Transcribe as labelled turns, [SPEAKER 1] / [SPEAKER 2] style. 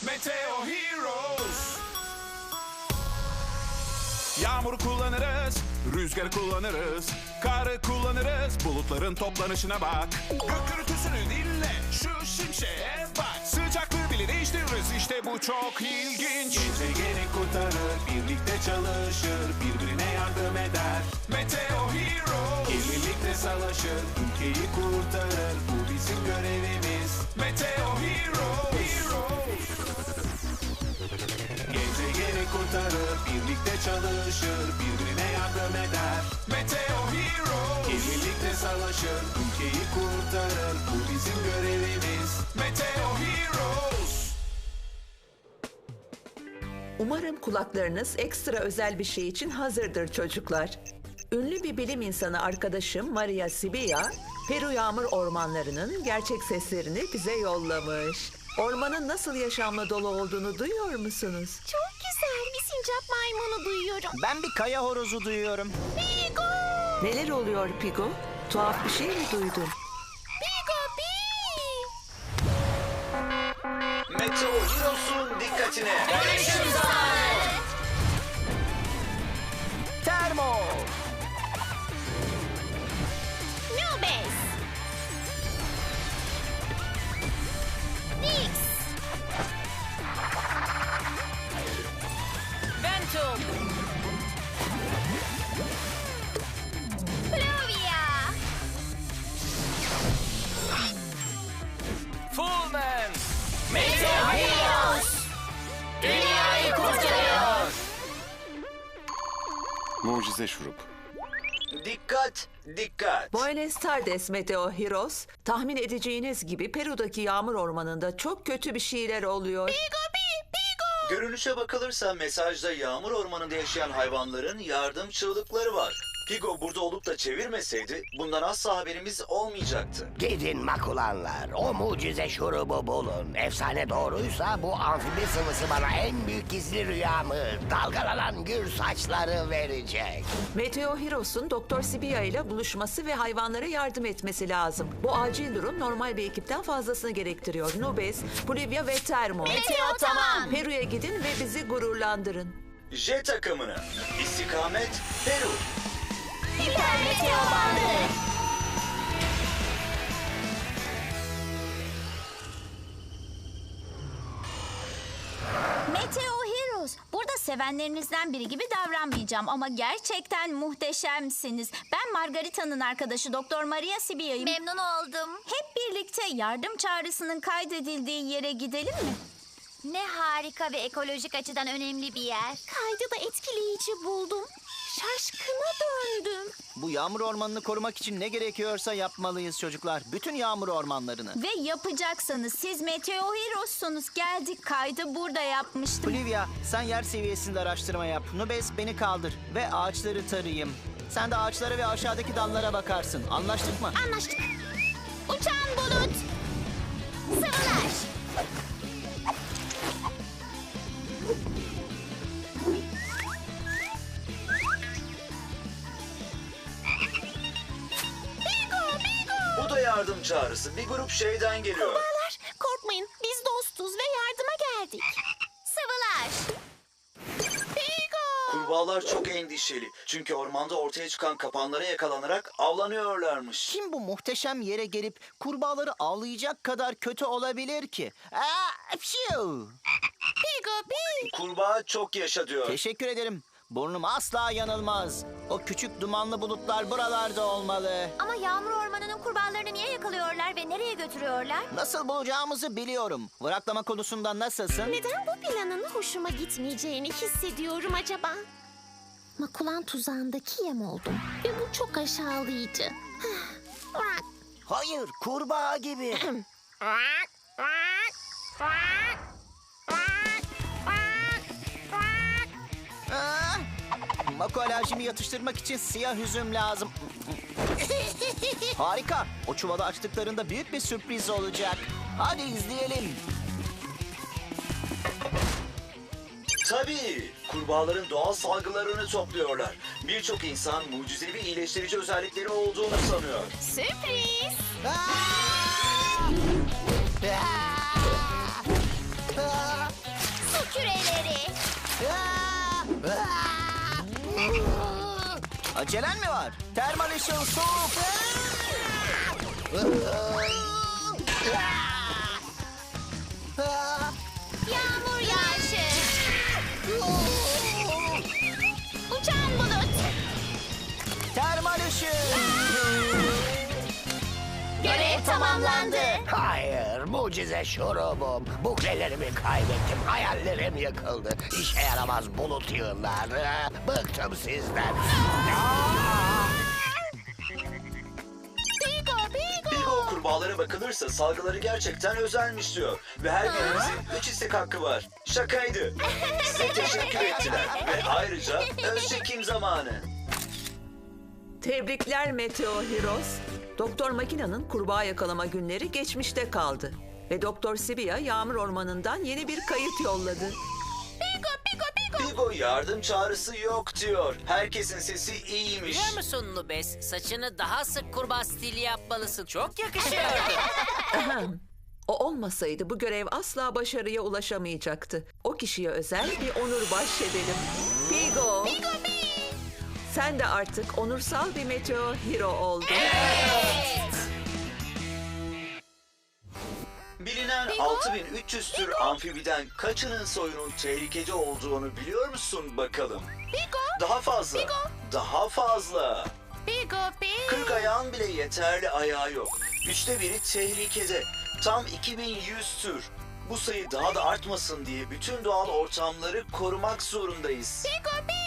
[SPEAKER 1] Meteo Heroes. Yağmuru kullanırız, rüzgarı kullanırız, karı kullanırız, bulutların toplanışına bak. Gök gürültüsünü dinle, şu şimşeğe bak. Sıcaklığı bile değiştiririz, işte bu çok ilginç. Gezegeni kurtarır, birlikte çalışır, birbirine yardım eder. Meteo Heroes. Birlikte savaşır, ülkeyi kurtarır, bu bizim görevimiz. Meteo Heroes. Gezegeni kurtarır, birlikte çalışır, birbirine yardım eder. Meteo Heroes. Birlikte savaşır, ülkeyi kurtarır, bu bizim görevimiz. Meteo Heroes.
[SPEAKER 2] Umarım kulaklarınız ekstra özel bir şey için hazırdır çocuklar. Ünlü bir bilim insanı arkadaşım Maria Sibilla, Peru yağmur ormanlarının gerçek seslerini bize yollamış. Ormanın nasıl yaşamla dolu olduğunu duyuyor musunuz?
[SPEAKER 3] Çok güzel. Bir sincap maymunu duyuyorum.
[SPEAKER 4] Ben bir kaya horozu duyuyorum.
[SPEAKER 3] Pigo!
[SPEAKER 2] Neler oluyor Pigo? Tuhaf bir şey mi duydun?
[SPEAKER 3] Pigo pi!
[SPEAKER 5] Meteo Heroes'un dikkatine.
[SPEAKER 4] Termo.
[SPEAKER 3] Nubes! Nix!
[SPEAKER 6] Ventum.
[SPEAKER 3] Pluvia!
[SPEAKER 6] Fullman.
[SPEAKER 3] Meteo Heroes!
[SPEAKER 6] Dünyayı kurtarıyor.
[SPEAKER 7] Mucize şurup.
[SPEAKER 5] Dikkat, dikkat.
[SPEAKER 2] Buenos Tardes Meteo Heroes. Tahmin edeceğiniz gibi Peru'daki yağmur ormanında çok kötü bir şeyler oluyor.
[SPEAKER 3] Pigo pi! Pigo!
[SPEAKER 5] Görünüşe bakılırsa mesajda yağmur ormanında yaşayan hayvanların yardım çığlıkları var. Pigo burada olup da çevirmeseydi bundan asla haberimiz olmayacaktı.
[SPEAKER 8] Gidin makulanlar, o mucize şurubu bulun. Efsane doğruysa bu amfibi sıvısı bana en büyük gizli rüyamı, dalgalanan gür saçları verecek.
[SPEAKER 2] Meteo Heroes'un Doktor Sibilla ile buluşması ve hayvanlara yardım etmesi lazım. Bu acil durum normal bir ekipten fazlasını gerektiriyor. Nubes, Pluvia ve Termo.
[SPEAKER 3] Meteo tamam.
[SPEAKER 2] Peru'ya gidin ve bizi gururlandırın.
[SPEAKER 5] J takımını. İstikamet Peru.
[SPEAKER 3] Hiper meteo bandı! Meteo Heroes. Burada sevenlerinizden biri gibi davranmayacağım ama gerçekten muhteşemsiniz. Ben Margarita'nın arkadaşı Doktor Maria Sibilla'yım. Memnun oldum. Hep birlikte yardım çağrısının kaydedildiği yere gidelim mi? Ne harika ve ekolojik açıdan önemli bir yer. Kaydı da etkileyici buldum. Şaşkına döndüm.
[SPEAKER 4] Bu yağmur ormanını korumak için ne gerekiyorsa yapmalıyız çocuklar. Bütün yağmur ormanlarını.
[SPEAKER 3] Ve yapacaksanız siz Meteo Heroes'sunuz. Geldik, kaydı burada yapmıştım.
[SPEAKER 4] Olivia, sen yer seviyesinde araştırma yap. Nubes beni kaldır ve ağaçları tarayayım. Sen de ağaçlara ve aşağıdaki dallara bakarsın. Anlaştık mı?
[SPEAKER 3] Anlaştık. Uçan bulut. Sıvılar.
[SPEAKER 5] Bu da yardım çağrısı. Bir grup şeyden geliyor.
[SPEAKER 3] Korkmayın, biz dostuz ve yardıma geldik. Sıvılar. Pigo.
[SPEAKER 5] Kurbağalar çok endişeli. Çünkü ormanda ortaya çıkan kapanlara yakalanarak avlanıyorlarmış.
[SPEAKER 4] Kim bu muhteşem yere gelip kurbağaları avlayacak kadar kötü olabilir ki? Pşiu!
[SPEAKER 3] Pigo pi.
[SPEAKER 5] Kurbağa çok yaşa diyor.
[SPEAKER 4] Teşekkür ederim. Burnum asla yanılmaz. O küçük dumanlı bulutlar buralarda olmalı.
[SPEAKER 3] Ama yağmur ormanının kurbağalarını niye yakalıyorlar ve nereye götürüyorlar?
[SPEAKER 4] Nasıl bulacağımızı biliyorum. Vıraklama konusunda nasılsın?
[SPEAKER 3] Neden bu planın hoşuma gitmeyeceğini hissediyorum acaba? Makulan tuzağındaki yem oldum ve bu çok aşağılayıcı.
[SPEAKER 8] Hayır, kurbağa gibi.
[SPEAKER 4] Mako alerjimi yatıştırmak için siyah üzüm lazım. Harika. O çuvalı açtıklarında büyük bir sürpriz olacak. Hadi izleyelim.
[SPEAKER 5] Tabii. Kurbağaların doğal salgılarını topluyorlar. Birçok insan mucizevi iyileştirici özellikleri olduğunu sanıyor.
[SPEAKER 3] Sürpriz. küreleri.
[SPEAKER 4] Acelen mi var? Termal ışın soğuk.
[SPEAKER 3] Yağmur yağışı. Uçan bulut.
[SPEAKER 4] Termal ışın.
[SPEAKER 3] Görev tamamlandı.
[SPEAKER 8] Hayır, mucize şurubum. Buklelerimi kaybettim, hayallerim yıkıldı. İşe yaramaz bulut yığınlar. Bıktım sizden.
[SPEAKER 5] Pigo kurbağalara bakılırsa salgıları gerçekten özelmiş diyor. Ve her birimizin 3 istek hakkı var. Şakaydı. Size teşekkür ettiler. Ve ayrıca öz çekim zamanı.
[SPEAKER 2] Tebrikler Meteo Heroes. Doktor Makina'nın kurbağa yakalama günleri geçmişte kaldı. Ve Doktor Sibia Yağmur Ormanı'ndan yeni bir kayıt yolladı.
[SPEAKER 5] Pigo yardım çağrısı yok diyor. Herkesin sesi iyiymiş.
[SPEAKER 6] Biliyor musun Nubes? Saçını daha sık kurbağa stili yapmalısın. Çok yakışıyordu.
[SPEAKER 2] Ahem. O olmasaydı bu görev asla başarıya ulaşamayacaktı. O kişiye özel bir onur bahşedelim. Pigo. Sen de artık onursal bir Meteo Hero oldun.
[SPEAKER 5] Bilinen 6300 tür amfibiden kaçının soyunun tehlikeli olduğunu biliyor musun bakalım? Daha fazla. Daha fazla. 40 ayağın bile yeterli ayağı yok. 1/3'ü tehlikede. Tam 2100 tür. Bu sayı daha da artmasın diye bütün doğal ortamları korumak zorundayız.